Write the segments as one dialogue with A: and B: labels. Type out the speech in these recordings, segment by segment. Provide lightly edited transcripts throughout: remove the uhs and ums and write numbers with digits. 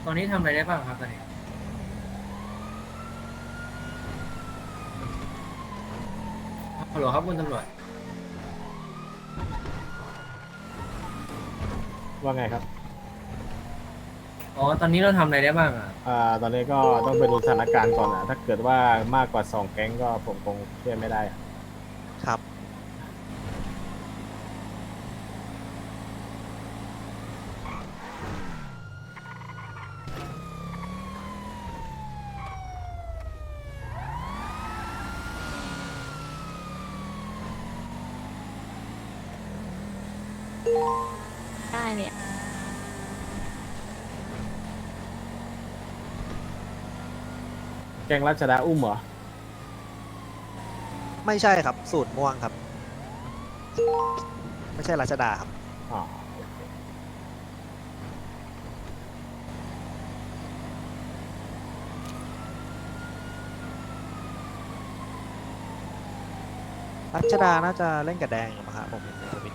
A: ตอนนี้ทำอะไรได้บ้างครับตอนนี้ฮัลโหลครับคุณตำรวจ
B: ว่าไงครับ
A: อ๋อตอนนี้เราทำอะไรได้บ้างอ่ะ
B: ตอนนี้ก็ต้องไปดูสถานการณ์ก่อนถ้าเกิดว่ามากกว่า2 แก๊งก็ผมคงช่วยไม่ได้
C: ครับ
D: ได้เนี่ย
B: แก๊งรัชดาอุ้มเหรอ
C: ไม่ใช่ครับสูตรม่วงครับ ไม่ใช่รัชดาครับ
B: อ๋อ
C: รัชดาน่าจะเล่นกับแดงอยู่มั้งครับผมเห็นในทวิต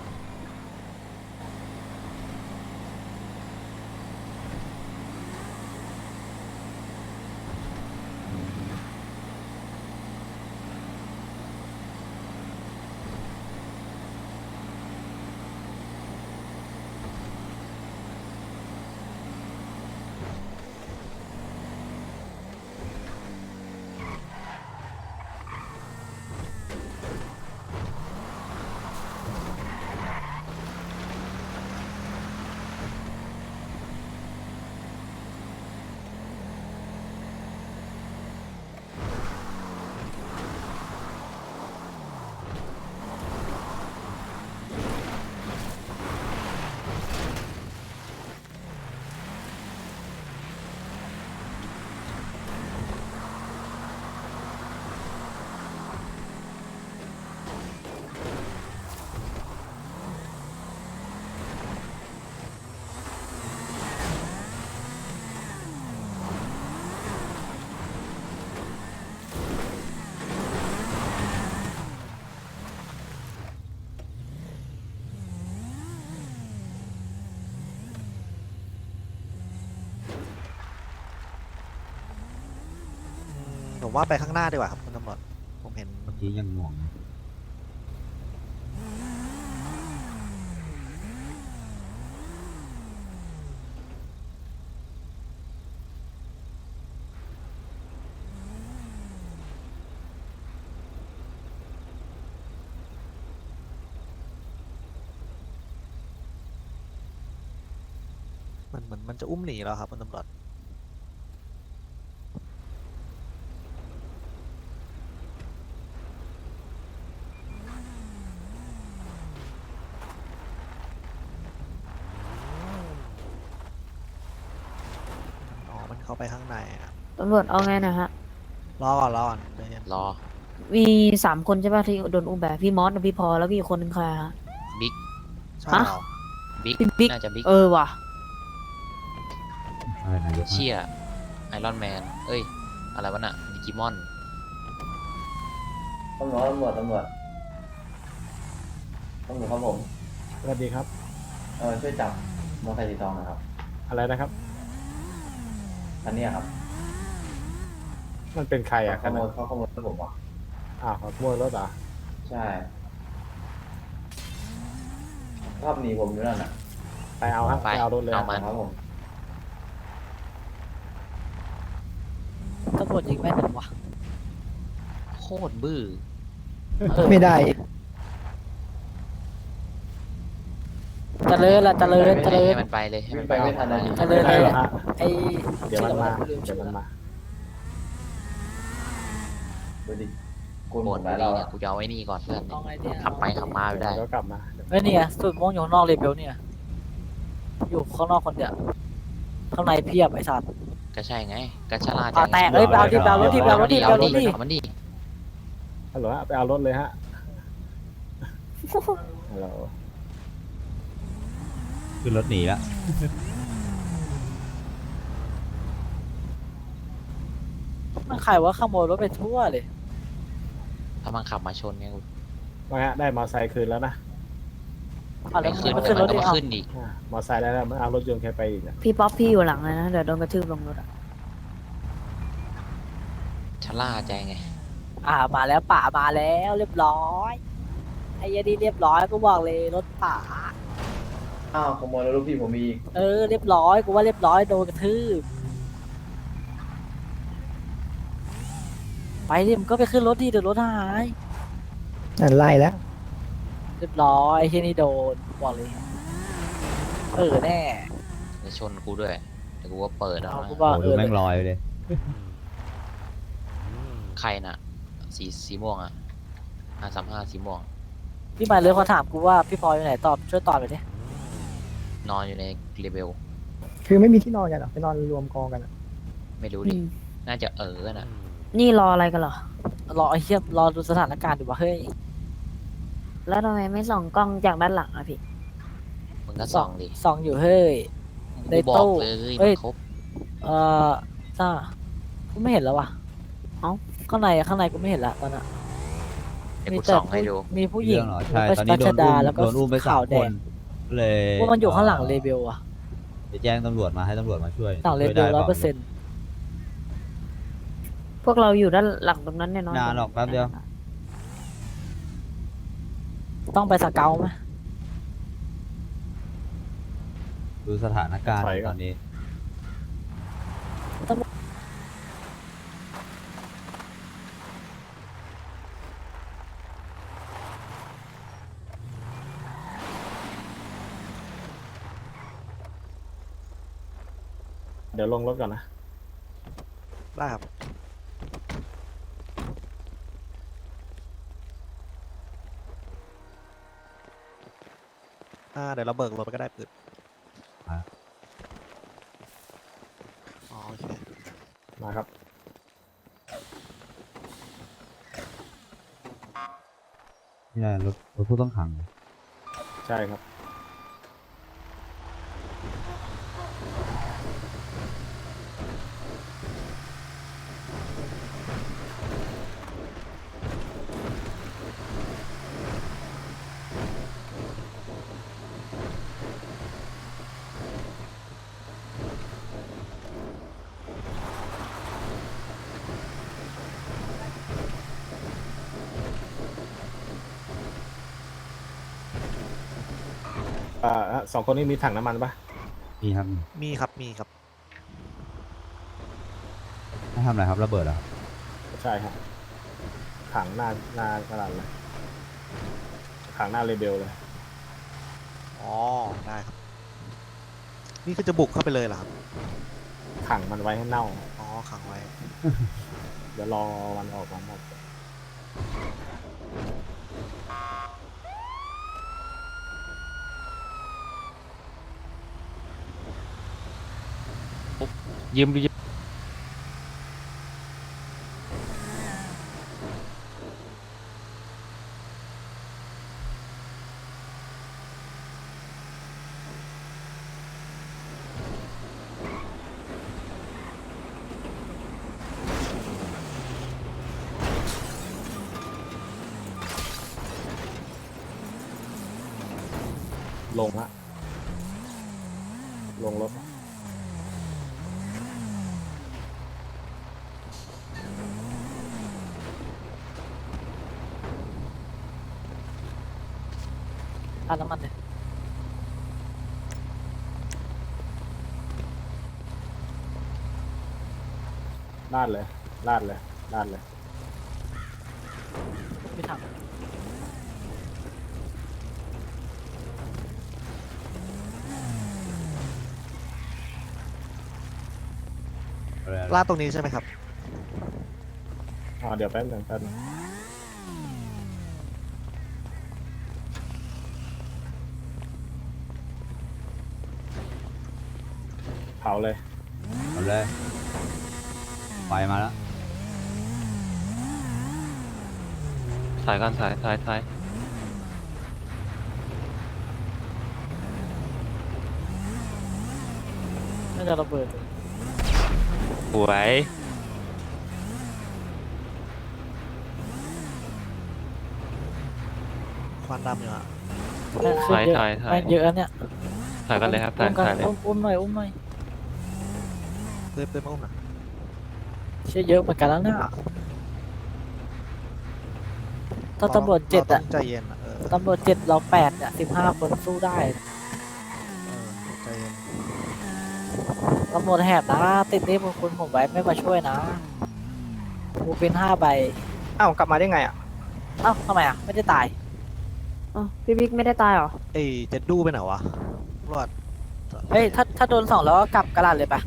C: ผมว่าไปข้างหน้าดีกว่าครับคุณตำรวจผมเห็น
E: เมื่อกี้ยังงง
C: เหมือนมันจะอุ้มหนีแล้วครับคุณตำรวจอ๋อมันเข้าไปข้างในอะ
D: ตำรวจเอาไงนะฮะ
C: รอก่อนใจเย็น
F: รอ
D: มี3 คนใช่ป่ะที่โดนอุ้มแบบพี่มอสกับพี่พอแล้วก็อีกคนนึงใครฮะ
F: บิ๊ก
C: ใช่
D: ฮะ
C: เหรอ
F: บิ๊ก
D: พี่บิ๊ก
F: น่าจะบิ๊ก
D: ว่ะ
E: อะไรนายก
F: เชี่ยไอรอนแมน เอ้ย อะไรวะน่ะดิจิมอน
G: ตำรวจครับผม
B: สวัสดีครับ
G: ช่วยจับมอเตอร์ไซค์สีทองนะครับ
B: อะไรนะครับ
G: คันเนี้ยครับ
B: มันเป็นใครอ่ะ
G: เขา
B: คันนั้น
G: ขโมยรถผมอ่ะ
B: อ้าวขโมยรถเหรอ
G: ใช่ชอบหนีผมอยู่นั่นน่ะ
B: ไปเอาครับ
F: ไป
B: ไปเอารถเลย
F: เอามา
G: ครับผม
H: ตำรวจยิงแม่นจังวะ
F: โคตรบื้อ
H: ไม่ได้เจริญละเจริญเจริญ
F: ให้มันไปเลย ให้มันไป
G: วิ่งไปไม่ทันเลย
H: เจริญ
B: ไป
H: เลย
B: เหรอฮะ
H: ไอ้
B: เดี๋ยวมันมา
H: ลื
B: เดี๋ยวมันมา
G: ดูดิกู
F: โห
G: หม
F: ม
G: ด
F: ด
G: แล้ว
F: บุรี
G: เรา
F: เนี่ย กูจะเอาไว้นี่ก่อนเพื่อน
H: เอาไงเนี่ย
F: ขับไปขับมาไปได้
B: เดี๋ยวกลับมา
H: เฮ้ยเนี่ยสุดม่วงอยู่ข้างนอกเลยเบลเนี่ยอยู่ข้างนอกคนเดียวข้างในเพียบไอ้สัตว์
F: ก็ใช่ไงก็ชะล่าใจ
H: แตกเอ้ยไปเอาดิไปเอารถดิไปเอารถดิไป
F: เอา
H: เอาร
F: ดิ
H: ถดิ
F: เอามันดิ
B: ฮัลโหลฮะไปเอารถเลยฮะฮัลโหล
E: ขึ้นรถหนีแล้ว
H: มันใครว่าขโมยรถไปทั่วเลย
F: ถ้ามันขับมาชนเนี่ยกู
B: ว่าฮะได้มอเตอร์ไซค์คืนแล้วนะ
H: อ่ะแล้ว
F: ไม่
H: มึง
F: ขึ้น
H: ไม่ขึ้นรถ
F: มัน
H: ดิ
F: ก็
H: เอา
F: ขึ้นอีก
B: มอไซค์ได้แล้วมันเอารถยนต์แค่ไปอีกนะ
D: พี่ป๊อปพี่อยู่หลังเลยนะ เดี๋ยวโดนกระทืบลงรถอะ
F: ชะล่าใจไง
H: มาแล้วป่ามาแล้วเรียบร้อยไอ้เหี้ยนี่เรียบร้อยกูบอกเลยรถป่า
G: อ้าวขโมยรถลูกพี่ผมอีก
H: เรียบร้อยกูว่าเรียบร้อยโดนกระทืบไปดิมึงก็ไปขึ้นรถดิเดี๋ยวรถหาย
C: ไล่แล้ว
H: เรียบร้อยไอ้เหี้ยนี่โดนบอกเลยแน่
F: จะชนกูด้วยแต่กูว่าเปิดแล้ว
H: เอา
F: นะ
H: กูว่า
E: โอ้ดูแม่งลอยเลย
F: ใครน่ะ สีม่วงอ่ะ535สีม่วง
H: พี่หมายเลยเขาถามกูว่าพี่พลอยอยู่ไหนตอบช่วยตอบไปดิ
F: นอนอยู่ในเรเบล
C: คือไม่มีที่นอนกันหรอไปนอนรวมกองกัน
F: ไม่รู้
D: อื
F: ดิ
D: ม
F: น่าจะน่ะ
D: นี่รออะไรกันเหรอ
H: รอไอ้เหี้ยรอดูสถานการณ์ดูว่าเฮ้ย
D: แล้วทำไมไม่ส่องกล้องจากด้านหลังอะพี่
F: มึงก็ส่องดิ
H: ส่องอยู่เฮ้ย ใน
F: กูบอก
H: ตู้
F: เลย
H: เอ้
F: มัน
H: ย
F: ครบ
H: ซ่ากูไม่เห็นแล้วว่ะ
D: เอ้า
H: ข้างในกูไม่เห็นละตอนน่ะ
F: เดี๋ยวกูส่องให้ดู
H: มีผู้หญิง
E: เรื่องเหรอใช่ตอนนี้
H: รัชดาแล้วก็
E: โดนอุ้มไปสา
H: ขาม ว
E: ค
H: แดง
E: นเลย
H: ว่ามันอยู่ข้างหลังเลเบลอะ
E: จะแจ้งตำรวจมาให้ตำรวจมาช่วย
H: หลังเล
E: ช่วย
H: เบล
E: ได้
H: 100%
D: พวกเราอยู่ด้านหลังตรงนั้นเนี่ยเนาะ
E: นานหรอกแป๊บเดียว
H: ต้องไปสเกลไหม
E: ดูสถานการณ์ตอนนี้
B: เดี๋ยวลงรถก่อนนะ
C: ได้ครับเดี๋ยวเราเบิกรถไปก็ได้ปืน
E: อ่ะ
C: อ๋อโอเค
B: มาครับ
E: นี่แหละรถผู้ต้องขัง
B: ใช่ครับ สองคนนี้มีถังน้ำมันปะ
E: นี่ครับ
C: มีครับมีครับ
E: ให้ทำอะไรครับระเบิดเหรอครับ
B: ใช่ครับถังหน้ากระดานเลยถังหน้าเรเบลเลย
C: อ๋อได้ครับ นี่คือจะบุกเข้าไปเลยเหรอครับ
B: ขังมันไว้ให้เน่า
C: อ๋อขังไว้
B: เดี๋ยวรอวันออกวันออก
F: ยืม
B: ลงฮะลงรถ
H: ร้านน้ำมันเนี่ย
B: ลาดเลยลาดเลยลาดเลย
H: ไม่ทำ
E: อะไร
C: ลาดตรงนี้ใช่ไหมครับ
B: เดี๋ยวแป๊บหนึงเผาเลย
E: เอาเลยไฟมาแล้ว
F: สายกันสาย
H: น่าจะระเบิด
F: สวย
C: ควันดำอยู่อะ
H: แม่งขึ้นเยอะ
E: ถอย
H: แม่งเยอะเนี่ย
E: ถอยกันเลยครับถอ
H: อุ้
E: ย
H: มกัน
E: ถอยเลย
H: อุ้มหน่อยอุ้มหน่อย
C: เพื่อนมาอุ้มหน่อย
H: เชี่ยเยอะเหมือนกันแล้วเนี่ยถ้าตำรวจเจ็ด
C: รา
H: อะ
C: ต้องใจเย็นอะ
H: ตำรวจเจ็ดเราแปดเนี่ย15 คนสู้ได้
C: ใจเย็น
H: ตำรวจแหบนะติดนี้พวกคุณผมไว้ไม่มาช่วยนะกูเป็น5 ใบ
I: อ้าวกลับมาได้ไงอ่ะ
H: เอ้าทำไมอ่ะไม่ได้ตาย
D: อ๋อพี่บิ๊กไม่ได้ตายเหรอ
C: เอ้ยเจะดูไปไหนวะตำรวจ
H: เฮ้ยถ้าโดน2แล้วก็กลับกระดาษเลยปะ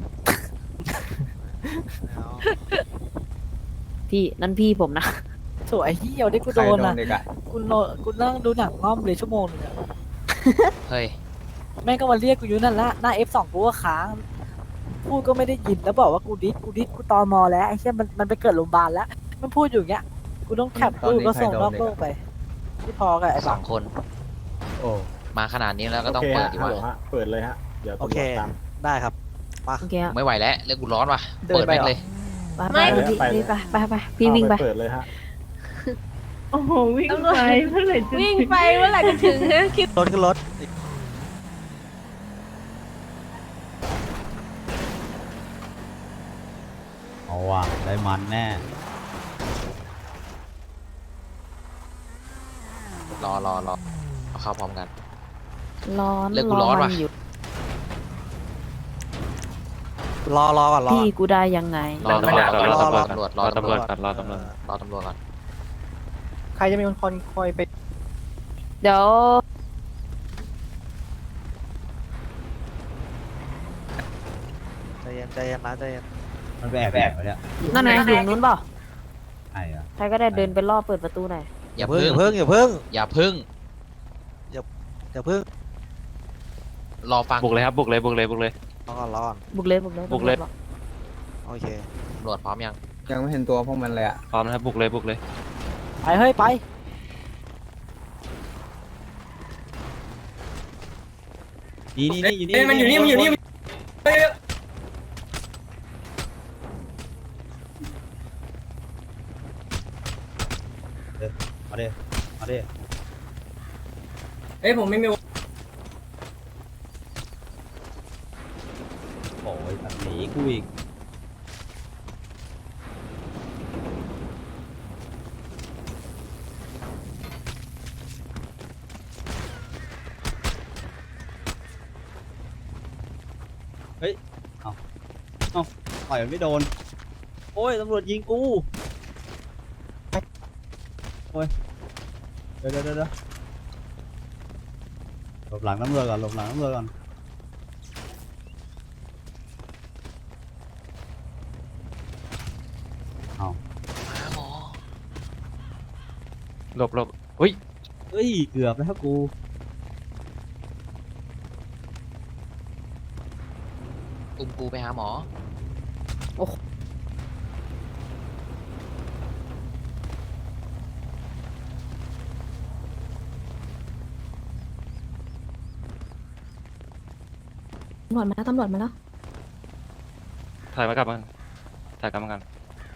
C: ไม่เอา
D: พี่นั่นพี่ผมนะ
H: สวยเหี้ยวได้กูโดน
I: ใคร
H: อ่ะ
I: เด็กอ่ะ
H: กูนั่งดูหนังง่อมเลยชั่วโมงนึงอะ
F: เฮ้ย
H: แม่งก็มาเรียกกูอยู่นั่นละหน้า F2 กูก็ค้างพูดก็ไม่ได้ยินแล้วบอกว่ากูดิสกูตอมอแล้วไอ้เชี่ยมันไปเกิดโรงพยาบาลแล้วมันพูดอยู่อย่างเงี้ยกูต้องแคปรูปก็ส่งนอกโลกไปที่พอกับไอ้
F: ส
H: บั
F: อง งคน
B: โอ้
F: มาขนาดนี้แล้วก็
B: โอ
F: ต้อง
B: เค
F: เปิด
B: ฮะ
F: ดี
B: ฮัล
F: วะ
B: โหลฮะเปิดเลยฮะเดี๋ยว
C: โอ
B: ตำร
C: เค
B: วจตาม
C: ได้ครับมา
D: โอเคอะ
F: ไม่ไหวแล้วเรื่องกูร้อนว่ะ
I: เดิน
F: เปิด
I: ไป
F: แม่ง
I: เหรอ
F: เลย
D: ไปพี่ไปพี่วิ่งไป
B: เปิดเลยฮะ
J: โอ้โหวิ่งไปเมื่อไหร่จะ
K: วิ่งไปเมื่อไหร่จะถึงนะคิด
C: รถขึ้นรถ
E: เอาว่ะได้มันแน่
F: รอเอาเข้าพร้อมกัน
D: ร้อน
F: เลิกกูร้อนว่ะ
D: มัอยู่
C: รอก่อนรอ
D: พี่กูได้ยังไง
E: รอตำรวจก่อน
F: รอ
E: รอ
F: ตำรวจ
E: รอตำรวจก่อนรอตำรวจ
F: รอตำรวจก่อน
I: ใครจะเป็นคนคอยไป
D: เดี๋ยว
C: ใจเย็นใจเย็นนะใจเย็น
E: มันไปแอบไว้เนี่ย
D: นั่นไงอยู่นู้นเปล่า
E: ไอ้อะ
D: ใครก็ได้เดินไปล่อเปิดประตูหน่อย
F: อย่า
C: เพิ่
F: พึ่
C: ง
F: ง
C: อย่าเพิ่ง
F: อย่าพึ่ง
C: อย่าเพิ่ง
F: รอฟัง
E: บุกเลยครับบุกเลย
C: รอก่อน
D: บุกเลยบุกเลย
E: บุกเลย
C: โอเค
F: ตำรวจพร้อมยัง
I: ยังไม่เห็นตัวพวกมันเลยอ่ะ
E: พร้อมนะครับบุกเลย
H: ไปเฮ้ยไป
E: นี่อยู่นี่
A: มันอยู่นี่มันอยู่นี่
E: มาดิมาดิ
A: เอ้ยผมไม่มี
E: โอ้ยแบบนี้กูอีกเฮ้ยเอาต่อยมันไม่โดนโอ้ยตำรวจยิงกูโอ้ยเดี๋ยวหลบหลังตำรวจก่อนหลบหลังตำรวจก่อนเอาหลบเฮ้ยเกือบแล้วกู
F: อุ้มกูไปหาหมอ
D: ตำรวจมาแล้วตำรวจมาแล้ว
E: ถ่ายมากลับมันถ่ายกลับมากัน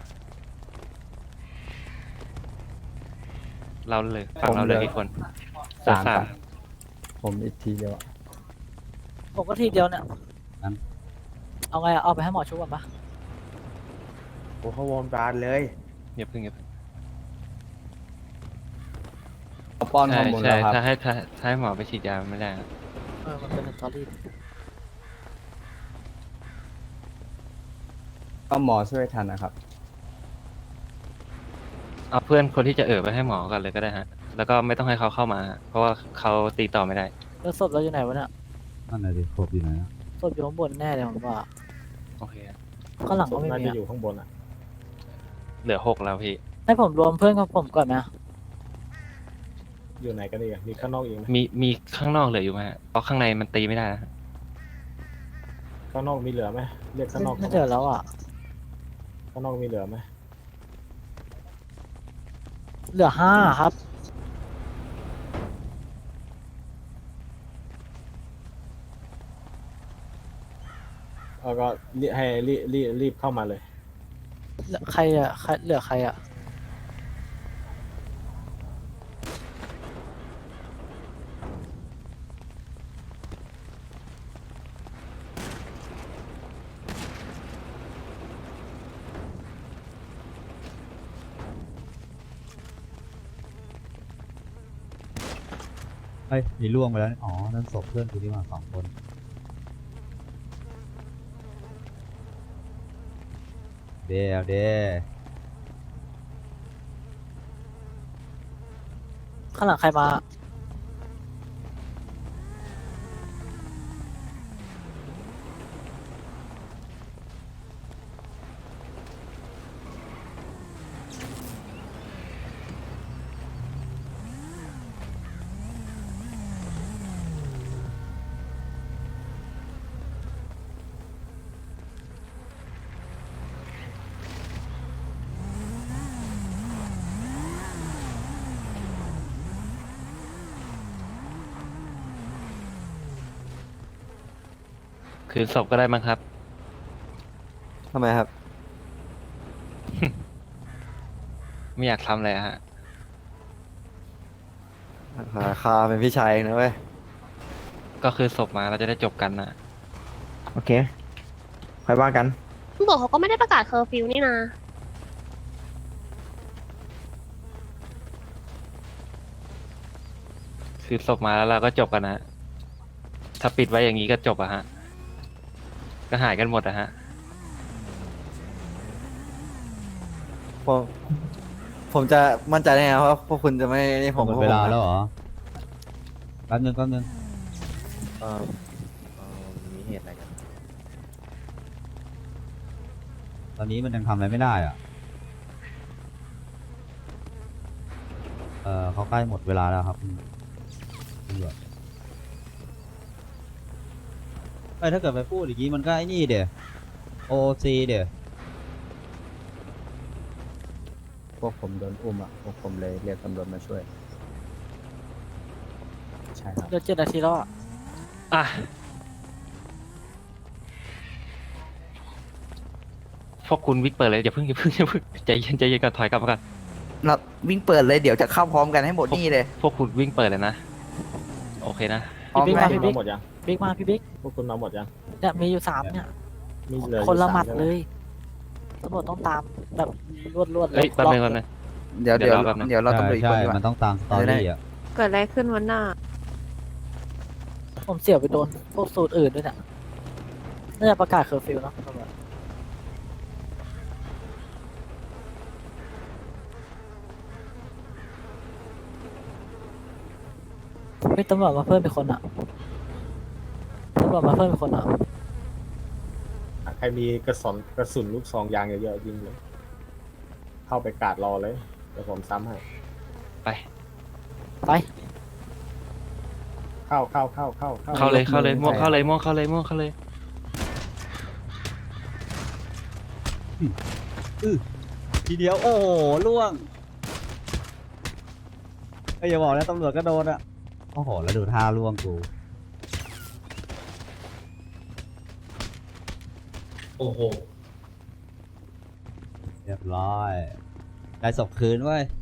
E: เราเลยฝั่งเราเลยกี่คนสาม
B: ผมอีกทีเดียวอะ
H: ผมก็ทีเดียวเนี่ย
E: งั้น
H: เอาไงอะเอาไปให้หมอช่วยก่อนปะ
I: โอ้เขาวงการเลย
E: อย่าเพิ่ง
I: ป้อนฮอ
E: ใช่
I: ร์โมน
E: ใช่
I: แล้วครับ
E: ถ้าให้หมอไปฉีดยาไม่ได้นะ
H: มันเป็นสตอรี่
I: ก็หมอช่วยทันนะครับ
E: เอาเพื่อนคนที่จะไปให้หมอกันเลยก็ได้ฮะแล้วก็ไม่ต้องให้เขาเข้ามาฮะเพราะว่าเขาตีต่อไม่ได้
H: แล้วศพเราอยู่ไหนวะเนี่ย
E: นั่นแหละดิครบอยู่ไหน
H: ศพอยู่ข้างบนแน่เลยผมว่า
E: โอเค
H: ข้างหลังก็ไม่
B: น่า
H: มี
B: จะ
H: อะ
B: อยู่ข้างบนอ่ะ
E: เหลือ6แล้วพี่
H: ให้ผมรวมเพื่อนของผมก่อนไหมอะ
B: อยู่ไหนกันอีกอะมีข้างนอกอีกไหม
E: มีข้างนอกเหลืออยู่ไหมฮะเพราะข้างในมันตีไม่ได้นะฮะ
B: ข้างนอกมีเหลือไหมเรียกข้างนอก
H: ไม่เจอแล้วอ่ะ
B: ข้างนอกมีเหลือไหม
H: เหลือ5ครับ
B: แล้วก็ให้รีบเข้ามาเลย
H: เหลือใครอ่ะเหลือใครอ่ะ
E: เฮ้ยมีล่วงไปแล้วนี่อ๋อนั่นศพเพื่อนกูที่มา2 คนเดี๋ยว
H: ข้างหลังใครมา
A: คือศพก็ได้มั้งครับ
C: ทำไมครับ
A: ไม่อยากทำเลยฮะ
C: คาเป็นพี่ชายนะเว้ย
A: ก็คือศพมาเราจะได้จบกันนะ
C: โอเคค่อยว่ากัน
K: ตำรวจเขาก็ไม่ได้ประกาศเคอร์ฟิวนี่นะ
A: คือศพมาแล้วเราก็จบกันนะ ถ้าปิดไว้อย่างนี้ก็จบอะฮะ ก็หายกันหมดอะฮะ
C: ผมจะมั่นใจได้ไงว่าพวกคุณจะไม่นี่ผม
E: หมดเวลาแล้วเหรอแป๊บนึง
C: มีเหตุอะไรกัน
E: ตอนนี้มันยังทำอะไรไม่ได้อ่ะเขาใกล้หมดเวลาแล้วครับตำรวจถ้าเกิดไปพูดอย่างนี้มันก็ไอ้นี่เดี๋ยว OC เดี๋ยว
B: พวกผมโดนอุ้มอ่ะพวกผมเลยเรียกตำรวจมาช่วย ใช่ครับ
H: เดี๋ยว7 นาทีแล้วอ่ะ
A: อ่ะ พวกคุณวิ่งเปิดเลยอย่าเพิ่งใจเย็นก่อนถอยกลับมาก่อน
C: เราวิ่งเปิดเลยเดี๋ยวจะเข้าพร้อมกันให้หมดนี่เลย
A: พวกคุณวิ่งเปิดเลยนะ โอเคนะ
H: พี่บิ๊กมา
B: พว
H: พี่
B: กคุณ
H: บิ๊
B: มาก หมดยัง
H: บิ๊กมาพี่บิ๊ก
B: พวกคุณมาหมดยัง
H: เนี่ยมีอยู่3เนี่ย
B: มีเหลืออยู่
H: คนละ
B: สา
H: หมัด
B: ใช่ไ
H: เลยตำรวจต้องตามแบบรวดๆเล
A: เฮ้ย
H: ย
A: แป๊บนึง
C: เดี๋ยว
A: เดี๋ยวรอแป๊บนึง
C: เดี๋ยวเราตำรวจอีกคน
E: ใช่
C: ดีกว่า
E: มันต้องตามสตอรี่อ่ะ
K: เกิดอะไรขึ้นวันหน้า
H: ผมเสี่ยวไปโดนพวกสูตรอื่นด้วยเนี่ยน่าจะประกาศเคอร์ฟิวเนาะตำรวจเฮ้ยตำรวจมาเพิ่มเป็นคนอ่ะตำรวจมาเพิ่มเป็นคนอ่ะ
B: ใครมีกระสุนลูกซองยางเยอะๆยิงเลย เข้าไปกาดรอเลยเดี๋ยวผมซ้ำให้
A: ไป
H: ไป
B: เข้า
A: เข้าเลยม่วงเข้าเลย
E: ทีเดียวโอ้โหล่วงอย่าบอกนะตำรวจก็โดนอ่ะโอ้โหแล้วดูท่าล่วงกู
A: โอ้โห
E: เรียบร้อยได้ศพคืนเว้ย